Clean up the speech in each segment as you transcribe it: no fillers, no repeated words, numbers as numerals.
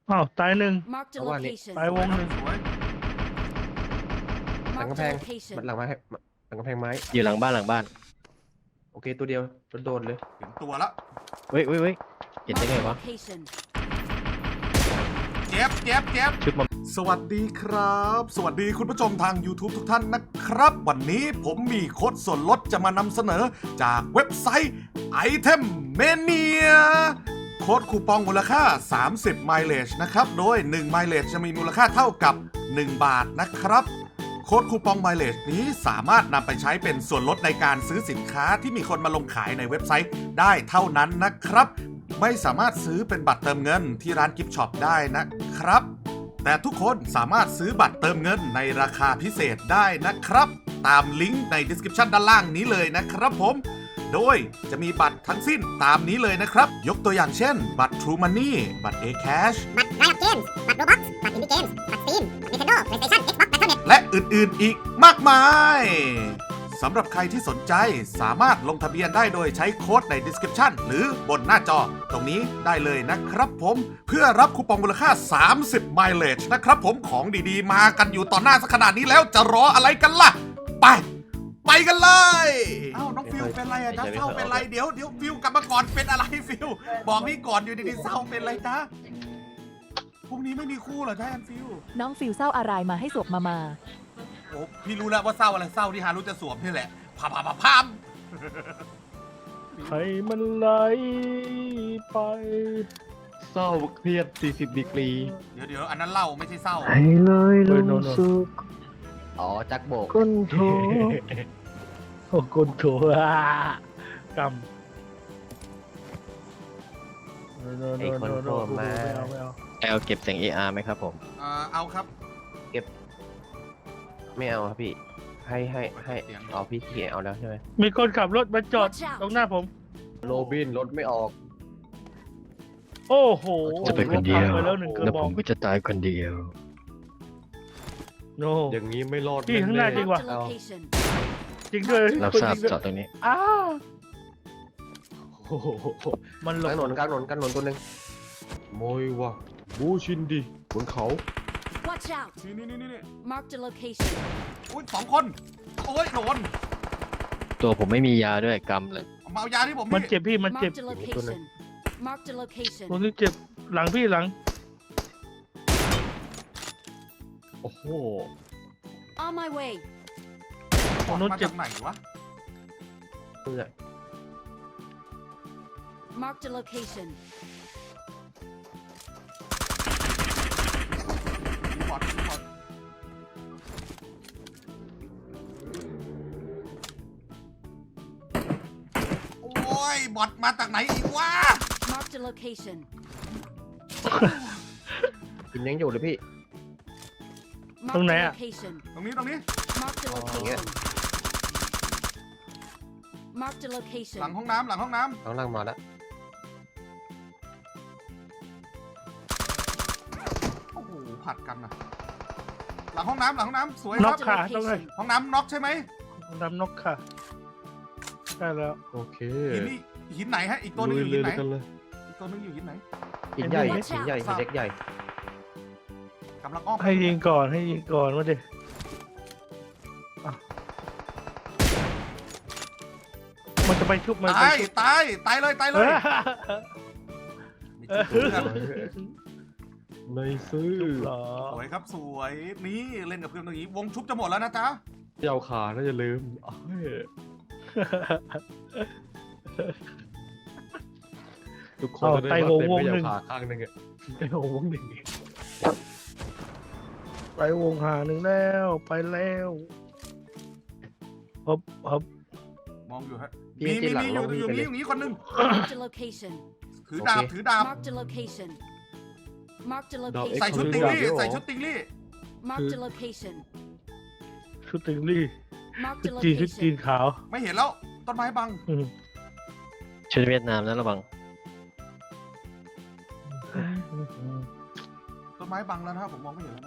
อ้าวตายหนึ่ง Marked a Ở ngoài này. location. ตายวงหนึ่งสวยหลัง Marked กำแพ a ง location. หลังไม้หลังกำแพงไม้อยู่หลังบ้านโอเคตัวเดียวโดนเลยเห็นตัวแล้วเฮ้ยเห็นได้ Marked ไง a วะ location. เจ็บชุดมันสวัสดีครับ สวัสดีคุณผู้ชมทาง YouTube ทุกท่านนะครับ วันนี้ผมมีโค้ดส่วนลดจะมานำเสนอจากเว็บไซต์ Item Mania โค้ดคูปองมูลค่า 30 mileage นะครับ โดย 1 mileage จะมีมูลค่าเท่ากับ 1 บาทนะครับ โค้ดคูปอง mileage นี้สามารถนำไปใช้เป็นส่วนลดในการซื้อสินค้าที่มีคนมาลงขายในเว็บไซต์ได้เท่านั้นนะครับ ไม่สามารถซื้อเป็นบัตรเติมเงินที่ร้านกิฟต์ช็อปได้นะครับ แต่ทุกคนสามารถซื้อบัตรเติมเงินในราคาพิเศษได้นะครับ ตามลิงก์ใน description ด้านล่างนี้เลยนะครับผม โดยจะมีบัตรทั้งสิ้นตามนี้เลยนะครับ ยกตัวอย่างเช่น บัตร True Money บัตร A-Cash บัตรไรอัพเกมส์บัตรโรบ็อกซ์บัตรอินดี้เกมส์บัตรสตรีมบัตร Nintendo PlayStation Xbox Battle.net และอื่นๆอีกมากมายสำหรับใครที่สนใจสามารถลงทะเบียนได้โดยใช้โค้ดใน description หรือบนหน้าจอตรงนี้ได้เลยนะครับผมเพื่อรับคูปองมูลค่า 30 mileage นะครับผมของดีๆ มากันอยู่ต่อหน้าสักขนาดนี้แล้วจะรออะไรกันล่ะ ไปกันเลยอ้าวน้องฟิวเป็นไรอะจ๊ะเศร้าเป็นไรเดี๋ยวฟิวกลับมาก่อนเป็นอะไรฟิวบอกพี่ก่อนอยู่ดีๆเศร้าเป็นไรจ๊ะพรุ่งนี้ไม่มีคู่เหรอจ๊ะแอนฟิวน้องฟิวเศร้าอะไรมาให้สวบมาโอ้พี่รู้แล้วว่าเศร้าอะไรเศร้าที่ฮารุจะสวมนี่แหละพามให้มันไหลไปเศร้าเครียด40ดีกรีเดี๋ยวอันนั้นเล่าไม่ใช่เศร้าให้เลยลงสุขอ๋อจักโบกก้นโถโอ้ก้นโถกำไอ้คนโผล่มาไม่เอาแอลเก็บเสียง AR ไหมครับผมเอาครับไม่เอาครับพี่ให้อ๋อพี่เขียนเอาแล้วใช่ไหมมีคนขับรถมาจอด Watch out ตรงหน้าผมโรบินรถไม่ออกโอ้โหจะไปคนเดียวรถพังไปแล้วหนึ่งกระแล้วบผอกมก็จะตายคนเดียวโนอย่างนี้ไม่รอดพี่ข้างหน้าจริง Marked a location. จริงด้วยรับทราบจงด้วยจอดตรงนี้อ้าวโอ้โหมันหลกลางถนบนกลางถนนกลางถนนตัวหนึ่งโมยวะบูชินดิบนเขา Watch out. นี่ Marked a location. อุ้ย2 คนโอ้ยโดนตัวผมไม่มียาด้วยกำเลยมาเอายาที่ผมมันพี่เจ็บพี่มันเจ็บ Marked a location. Marked a location. ตรงนี้เจ็บหลังพี่หลังโอ้โห On my way. ตรงนู้นมาเจ็บจากไหนวะเพื่อ Marked a location. มีบอทโอ้ยบอทมาจากไหนอีกวะ Marked a location. กินยังอยู่เลยพี่ Marked Tông a này à? location. ตรงนี้ Marked a Oh, location. yeah. Marked a หลัง location. ห้องน้ำข้างล่างมาแล้วโอ้โหผัดกันนะหลังห้องน้ำสวยคน็รัอบ กค่ะต้องเลย location. ห้องน้ำน็อกใช่ไหมดำนกค่ะได้แล้วโอเคหินไหนฮะอีกตัวหนึงอยู่หินไหนกันเลยอีกตัวหนึงอยู่หินไหนหินใหญ่ Watch out หินใหญ่หินเล็กใหญ่กำลังอ้อมให้ยิงก่อนให้ยิงก่อนมาดิอ่ะมันจะไปชุบมันไปตายชุบตายเลยเอไม่อจุดเพื่อนในซื้อเหรอสวยครับสวยนี่เล่นกับเพื่อนตรงนี้วงชุบจะหมดแล้วนะจ๊ะยาวขาน่าจะลืมทุกคนจะได้ว่าเต็มไม่ยาวขาข้างนึงอะไต้วงหนึ่งไปวงหาหนึ่งแล้วไปแล้วฮึบฮึบมองอยู่ฮะพี่ที่หลังอลงพี่ยู่ไปเลนี่ยอยู่นี่คนหนึง Marked a location. ถือดาบโอเคถือดาบ Marked a location. Marked a ดาว location. ใส่ชุดติงลี่เดี๋ยวใส่ชุดติงลี่ Marked a location. ชุดติงลี่ Marked ชุ a ดจีนชุดจีน location. ขาวไม่เห็นแล้วต้นไม้บังอืมชุดเวียดนามนะระวังต้นไม้บังแล้วนะครับผมมองไม่เห็นแล้วนะ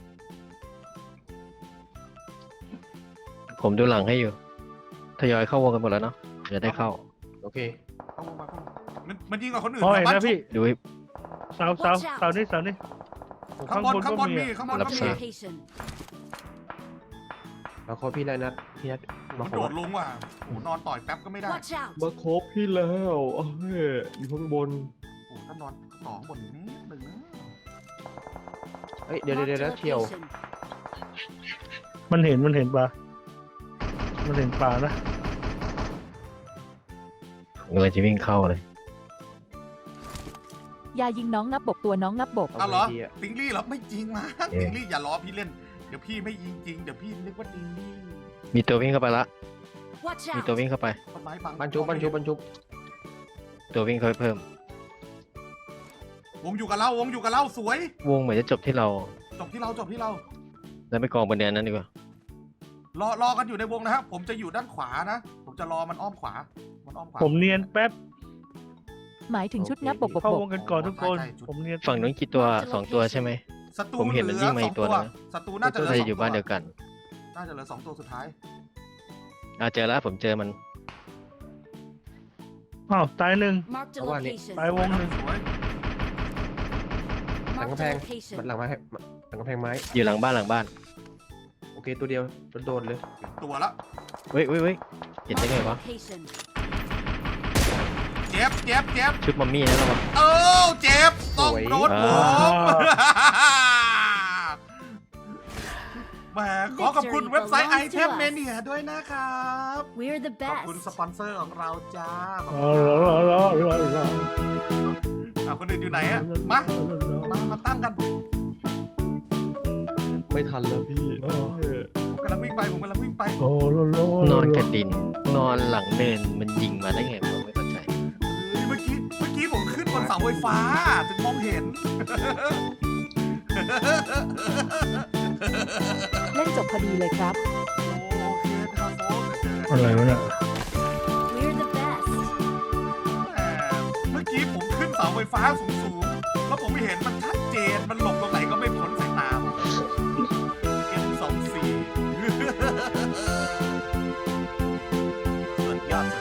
ผมดูหลังให้อยู่ ทยอยเข้าวงกันหมดแล้วเนาะเดี๋ยวได้เข้าโอเคเข้าวงมามันยิงกับคนอื่นพอแถเห็วน บ้านนะชุพี่บดูให้เสานี่ข้างบนก็มีมีข้างบน Marked ก็ a มี location. มาคบพี่แล้วนะพี่นัทมาคโดบดลงว่ะโอ้นอนต่อยแป๊บก็ไม่ได้ Watch out. มาคบพี่แล้วเอ้ยอยู่ข้างบนโอ้ถ้านอนต่อข้างบนอีกนิดหนึ่งนะเฮ้ยเดี๋ยว Marked a เที่ยว location. มันเห็นปลามันเห็นปลานะผมเลยจะวิ่งเข้าเลยยายิงน้องนับบกตัวน้องนับบกเอาเหรอไงดีอะติงลี่เหรอไม่จริงมั้งเอ๊ะติงลี่อย่าล้อพี่เล่นเดี๋ยวพี่ไม่ยิงจริงเดี๋ยวพี่นึกว่าติงลี่มีตัววิ่งเข้าไปละ Watch มีตัว out. วิ่งเข้าไปต้นไม้บังบรรจุตัววิ่งเข้าไปเพิ่มวงอยู่กับเราสวยวงเหมือนจะจบที่เราจบที่เราแล้วไปกองบนเดือนนั้นดีกว่ารอกันอยู่ในวงนะครับผมจะอยู่ด้านขวานะผมจะรอมันอ้อมขวาผมเนียนแป๊บหมายถึงชุดนับบกเข้าวงกันก่อนทุกคนใช่ผมเนียนฝั่งนู้นกี่ตัวสองตัวใช่ไหมศัตรูผมเห็นมันวิ่งมาอีกตัวนึงศัตรูน่าจะเหลือน่าสจะองอยู่บ้านเดียวกันน่าจะเหลือ2ตัวสุดท้ายเจอแล้วผมเจอมันอ้าวตายหนึ่ง Marked a Come on, location. ตายวงหนึ่งสวยหลัง Marked กำแพ a ง location. หลังไม้หลังกำแพงไม้อยู่หลังบ้านโอเคตัวเดียวโดนเลยตัวละเฮ้ยเห็นได้ Marked ไง a วะ location. เจ็บชุดมัมมี่นั่นหรอวะเจ็บต้องโดนผมแหมขอขอบคุณเว็บไซต์ Item Mania ด้วยนะครับ We're the ขอบคุณ best. สปอนเซอร์ของเราจ้าขอบอ๋คุอณรอคนอื่นอยู่ไหนอะมาตั้งกันไม่ทันแล้วพี่เออผมกำลังวิ่งไปโอ้โหนอนกระดิน นอนหลังเนินมันยิงมาได้ไงผมไม่เข้าใจเมื่อกี้ผมขึ้นบนเสาไฟฟ้าถึงมองเห็นเล่นจบพอดีเลยครับโอเคครับโฟกอะไรวะเนี่ย We're the best. เมื่อกี้ผมขึ้นเสาไฟฟ้าสูงๆ แล้วผมไม่เห็นมันชัดเจน มันหลบตรงไหนก็ไม่พ้นสายตาผม M24 สุดยอด